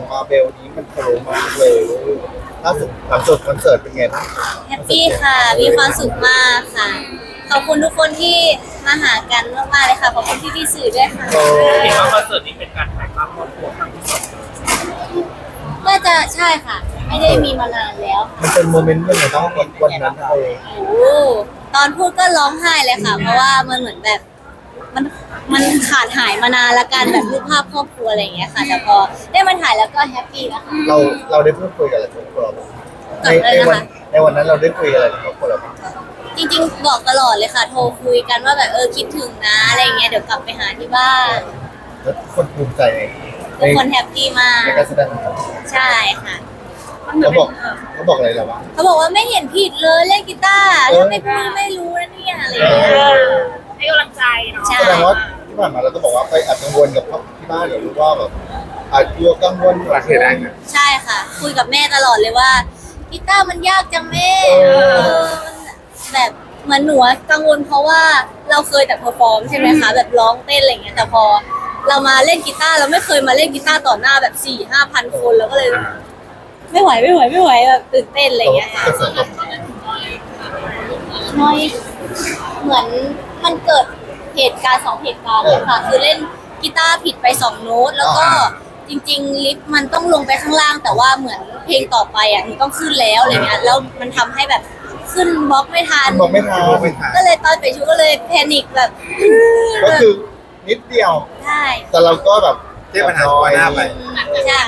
ของมาเบลนี้มันโผล่มากเลยล่าสุดคอนเสิร์ตเป็นไงบ้างแฮปปี้ค่ะ มีความสุขมากค่ะ ขอบคุณทุกคนที่มาหากันมากๆเลยค่ะ ขอบคุณพี่ๆสื่อด้วยค่ะเห็นว่าคอนเสิร์ตนี้เป็นการถ่ายภาพครอบครัวครั้งที่สองน่าจะใช่ค่ะ ไม่ได้มีมานานแล้วมันเป็นโมเมนต์ยังไงบ้างวันนั้นเลยโอ้โหตอนพูดก็ร้องไห้เลยค่ะ เพราะว่ามันเหมือนแบบมันมันขาดหายมานานละกันแบบรูปภาพครอบครัวอะไรอย่างเงี้ยค่ะ แต่พอได้มาถ่ายแล้วก็แฮปปี้แล้วค่ะเราได้พูดคุยกับอะไรกับครอบครัวบ้างในวันนั้นเราได้คุยอะไรกับครอบครัวเราบ้างจริงๆบอกตลอดเลยค่ะ โทรคุยกันว่าแบบคิดถึงนะอะไรอย่างเงี้ย เดี๋ยวกลับไปหาที่บ้านแล้วคนภูมิใจในทุกคนแฮปปี้มากในการแสดงของเราใช่ค่ะเขาบอกอะไรเราบ้างเขาบอกว่าไม่เห็นผิดเลยเล่นกีตาร์ถ้าไม่พูดไม่รู้นะเนี่ยอะไรอย่างเงี้ยให้กำลังใจเนาะใช่แสดงว่าที่ผ่านมาเราก็บอกว่าไปอาจกังวลกับที่บ้านหรือว่าแบบอาจกลัวกังวลหลักเหตุอะไรใช่ค่ะ คุยกับแม่ตลอดเลยว่ากีตาร์มันยากจังแม่มันแบบเหมือนหนูกังวลเพราะว่าเราเคยแต่เพอร์ฟอร์มใช่ไหมคะแบบร้องเต้นอะไรเงี้ยแต่พอเรามาเล่นกีตาร์เราไม่เคยมาเล่นกีตาร์ต่อหน้าแบบ4-5,000 คนเราก็เลย ไม่ไหวแบบตื่นเต้นอะไรเงี้ยค่ะกระแสตอบรับน้อยเหมือนมันเกิดเหตุการณ์2 เหตุการณ์เลยค่ะ คือเล่นกีตาร์ผิดไป2 โน้ตแล้วก็จริงๆลิฟต์มันต้องลงไปข้างล่าง แต่ว่าเหมือนเพลงต่อไปอ่ะหนูต้องขึ้นแล้วอะไรเงี้ยแล้วมันทำให้แบบขึ้นบล็อกไม่ทันบอกไม่ทันก็เลยตอนไปชุดก็เลยแพนิคแบบก็คือนิดเดียวใช่แต่เราก็แบบแก้ปัญหาเฉพาะหน้าไปใช่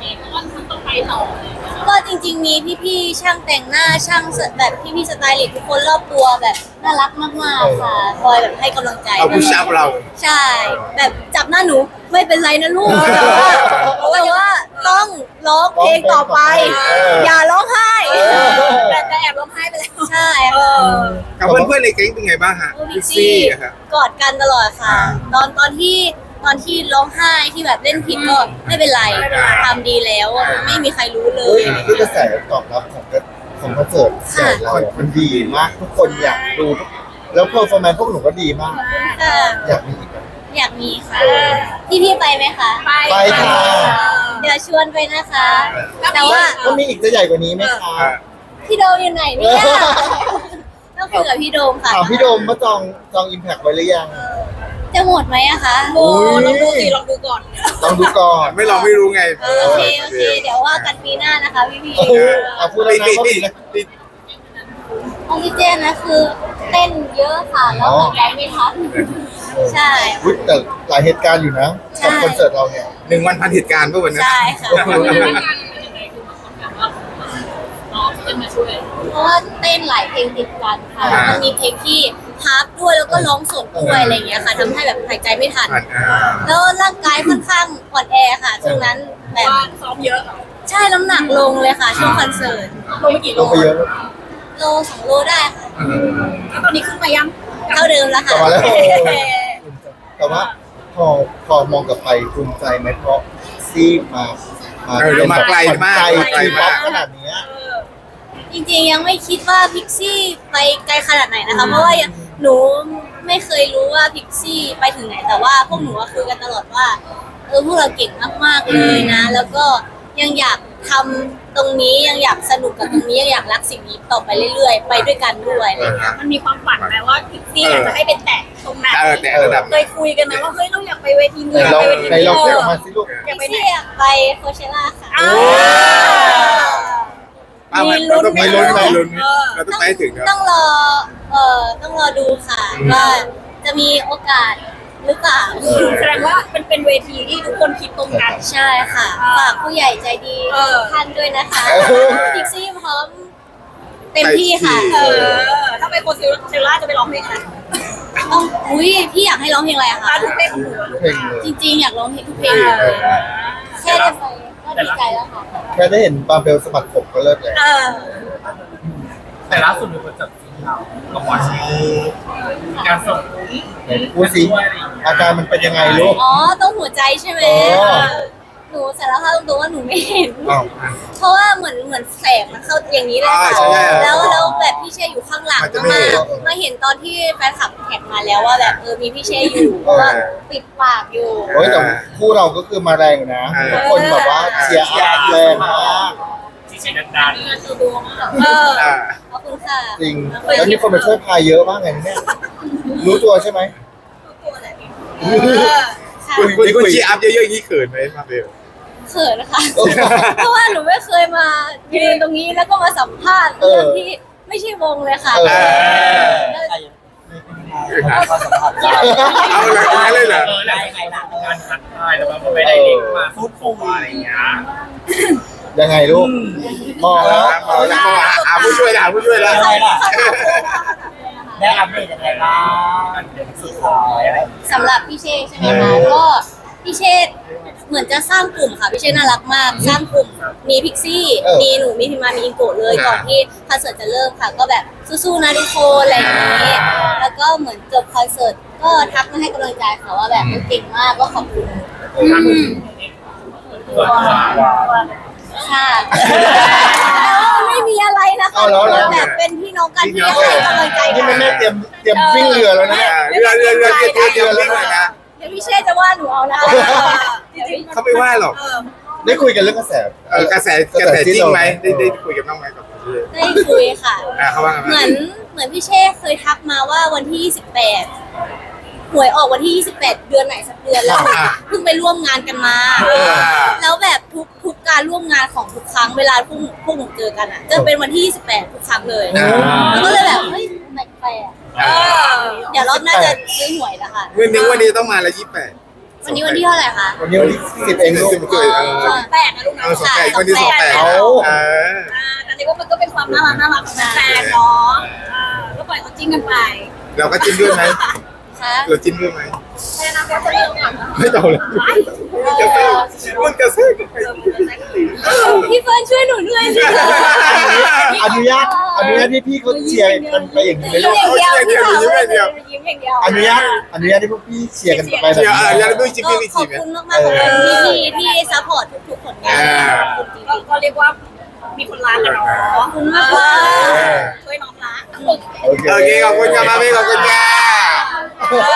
ก็จริงๆมีพี่ๆช่างแต่งหน้าช่างแบบพี่ๆสไตลิสต์ทุกคนรอบตัวแบบน่ารักมากๆค่ะคอยแบบให้กำลังใจเอาผู้ชายเราใช่ แบบจับหน้าหนูไม่เป็นไรนะลูกแต่ว่าต้องร้องเพลงต่อไป อย่าร้องไห้แต่แอบร้องไห้ไปแล้วใช่ค่ะกับเพื่อนๆในแก๊งเป็นไงบ้างฮะโอ้พิกซี่อะครับกอดกันตลอดค่ะ ตอนที่ร้องไห้ที่แบบเล่นผิดก็ไม่เป็นไรทำดีแล้วไม่มีใครรู้เลเฮ้ยยคือกระแสตอบรับของคอนเสิร์ตเรามันดีมากทุกคนอยากดูแล้วเพอร์ฟอร์แมนซ์พวกหนูก็ดีมากค่ะอยากมีอีกอยากมีค่ะพี่ไปไหมคะไปค่ะเดี๋ยวชวนไปนะคะ แต่ว่าก็มีอีกจะใหญ่กว่านี้ไหมคะพี่โดมอยู่ไหนเนี่ยต้องคุยกับพี่โดมค่ะถามพี่โดมว่าจองอิมแพคไว้หรือยังจะหมดไหมอะคะโอ้ยลองดูก่อนลองดูก่อนไม่ลองไม่รู้ไงโอเคเดี๋ยวว่ากันปีหน้านะคะพี่เอาพูดแล้วนะเขาดีนะออกซิเจนนะคือเต้นเยอะค่ะแล้วหายใจไม่ทันใช่อุ๊ยแต่หลายเหตุการณ์อยู่นะกับคอนเสิร์ตเราเนี่ย 1 วันพันเหตุการณ์เมื่อวันนั้นใช่ค่ะโอ้โหเพราะว่าเต้นหลายเพลงติดกันค่ะแล้วมันมีเพลงที่พับด้วยแล้วก็ร้องสดด้วยอะไรอย่างเงี้ยค่ะทำให้แบบหายใจไม่ทัน แล้วร่างกายค่อนข้างอ่อนแอค่ะช่วงนั้นแบบซ้อมเยอะใช่น้ำหนักลงเลยค่ะช่วงคอนเสิร์ตลงไปกี่ลโลงไปเยอะโล2 โลได้ค่ะแล้วตอนนี้ขึ้นมายังเท่าเดิมแล้วกลัค่ะบมาแล้วแต่ว่าพอมองกลับไปภูมิใจไหมเพราะซีมามาไกลมากไกลป๊อปขนาดนี้จริงๆยังไม่คิดว่าพิกซี่ไปไกลขนาดไหนนะคะเพราะว่าหนูไม่เคยรู้ว่าพิกซี่ไปถึงไหนแต่ว่าพวกหนูคุยกันตลอดว่าพวกเราเก่งมากๆเลยนะ แล้วก็ยังอยากทำตรงนี้ยังอยากสนุกกับตรงนี้ยังอยากรักสิ่งนี้ต่อไปเรื่อยๆ ไปด้วยกันด้วยอะไรอย่างเงี้ยมันมีความฝันไหมว่าพิกซี่อยากจะให้เป็นแตะตรงนั้นแต่ระดับเคยคุยกันไหมว่าเฮ้ยเราอยากไปเวทีนี้ในอยากเราไปเวทีในนี้เราเรียกออกมาสิลูกพิกซี่อยากไปโคเชล่าค่ะอ้าวเราต้องไปลุ้นเราต้องไปถึงต้องรอต้องรอดูค่ะว่าจะมีโอกาสหรือเปล่าแสดงว่าเป็นเวทีที่ทุกคนคิดตรงกันใช่ค่ะฝากผู้ใหญ่ใจดีทุกท่านด้วยนะคะพิกซี่พร้อมเต็มที่ค่ะถ้าไปโคเชล่าจะไปร้องเพลงอะไรต้องอุ้ยพี่อยากให้ร้องเพลงอะไรอะคะทุกเพลงของหนูเพลงเลยจริงๆอยากร้องเพลงทุกเพลงเลยแค่ได้ไปก็ดีใจแล้วค่ะแค่ได้เห็นบาเบลสะบัดผมก็เลิศเลยแต่ล่าสุดมีคนจับจิ้นเรากับวอชิการส่งไหนพูดสิอาการมันเป็นยังไงลูกอ๋อต้องหัวใจใช่ไหมอ๋อหนูสารภาพตรงๆว่าหนูไม่เห็นอ้าวเพราะว่าเหมือนแสงมันเข้าอย่างนี้เลยค่ะใช่แล้วแบบพี่เชยอยู่ข้างหลังมันจะไม่มาเห็นมาเห็นตอนที่แฟนคลับแท็กมาแล้วว่าแบบมีพี่เชยอยู่ว่าปิดปากอยู่โอ้ยแต่คู่เราก็คือมาแรงอยู่นะทุกคนแบบว่าเชียร์อัพแรงมากที่เชียร์ดังอ่าขอบคุณค่ะจริงแล้วมีคนมาช่วยพายเยอะมากเลยเนี่ยรู้ตัวใช่ไหมค่ะคุณชีอัพเยอะๆอย่างนี้เขินไหมมาเบลเขินนะคะ เพราะว่าหนูไม่เคยมายืนตรงนี้แล้วก็มาสัมภาษณ์เรื่องที่ไม่ใช่วงเลยค่ะเออเอาเลยเอาเลยเหรอแล้วยังไงล่ะการทักทายแล้วก็ไม่ได้เด็กมาพูดคุยอะไรอย่างเงี้ยยังไงลูกมองแล้วเอาแล้วเอาผู้ช่วยละผู้ช่วยละได้อัปเดตยังไงบ้างสุดท้ายอะไรสำหรับพี่เชษใช่ไหมคะก็พี่เชษเหมือนจะสร้างกลุ่มค่ะพี่เชษน่ารักมาก สร้างกลุ่มมีพิกซี่มีหนูมีพิมมามีอิงโกะเลยก่อนที่คอนเสิร์ตจะเริ่มค่ะ ก็แบบสู้ๆนะทุกคนอะไรอย่างนี้แล้วก็เหมือนจบคอนเสิร์ตก็ทักมาให้กำลังใจค่ะว่าแบบเก่งมากก็ขอบคุณค่ะแล้วไม่มีอะไรนะคะแบบเป็นพี่น้องกันที่ให้กำลังใจนี่กัแม่นแม่เตรียมวิ่งเรือแล้วนะเนี่ยเรือเรือแล้วนะเดี๋ยวพี่เชษจะว่าหนูเอานะจริงๆเขาไม่ว่าหรอกได้คุยกันเรื่องกระแสกระแสจริงไหมได้คุยกับน้องไหมกับพี่ได้คุยค่ะเขาว่าไงเหมือนพี่เช่เคยทักมาว่าวันที่ 28หวยออกวันที่ 28 เดือนไหนสักเดือนแล้วเพิ่งไปร่วมงานกันมา แล้วแบบทุกการร่วมงานของทุกครั้งเวลาพวกหนูเจอกันอ่ะจะเป็นวันที่ 28 ทุกครั้งเลยแล้วก็เลยแบบเฮ้ยแปลกๆเดี๋ยวรอบหน้าจะซื้อหวยแล้วค่ะวันนี้ต้องมาละ28 วันนี้วันที่เท่าไหร่คะวันนี้วันที่10เองลูกแปลกนะลูกนะสองแปดวันที่28 เอาแต่นี่ว่ามันก็เป็นความน่ารักของแฟนเนาะก็ปล่อยเขาจิ้นกันไปเราก็จิ้นด้วยไหมคะเราจิ้นด้วยไหมแค่นั้นก็จะเริ่มก่อนไม่ต้องเลยมันกระซิบพี่เฟิร์นช่วยหนูด้วยสิอนุญาตให้พี่เขาเชียร์กันไปอย่างนี้ไหมยิ้ลูมกอย่างเดียวพี่สาวยิ้มอย่างเดียวอนุญาตให้พวกพี่เชียร์กันไปแบบเชียร์นี้อยากด้วยจิ้นก็พี่ขอจีบไหมคุณมากๆขอบคุณพี่ๆที่ซัพพอร์ตทุกๆผลงานขอบคุณจริงก็เรียกว่ามีคนรักกันเนาะๆขอบคุณมากช่วยน้องรักโอเคโอเคขอบคุณค่ะมาเมขอบคุณค่ะ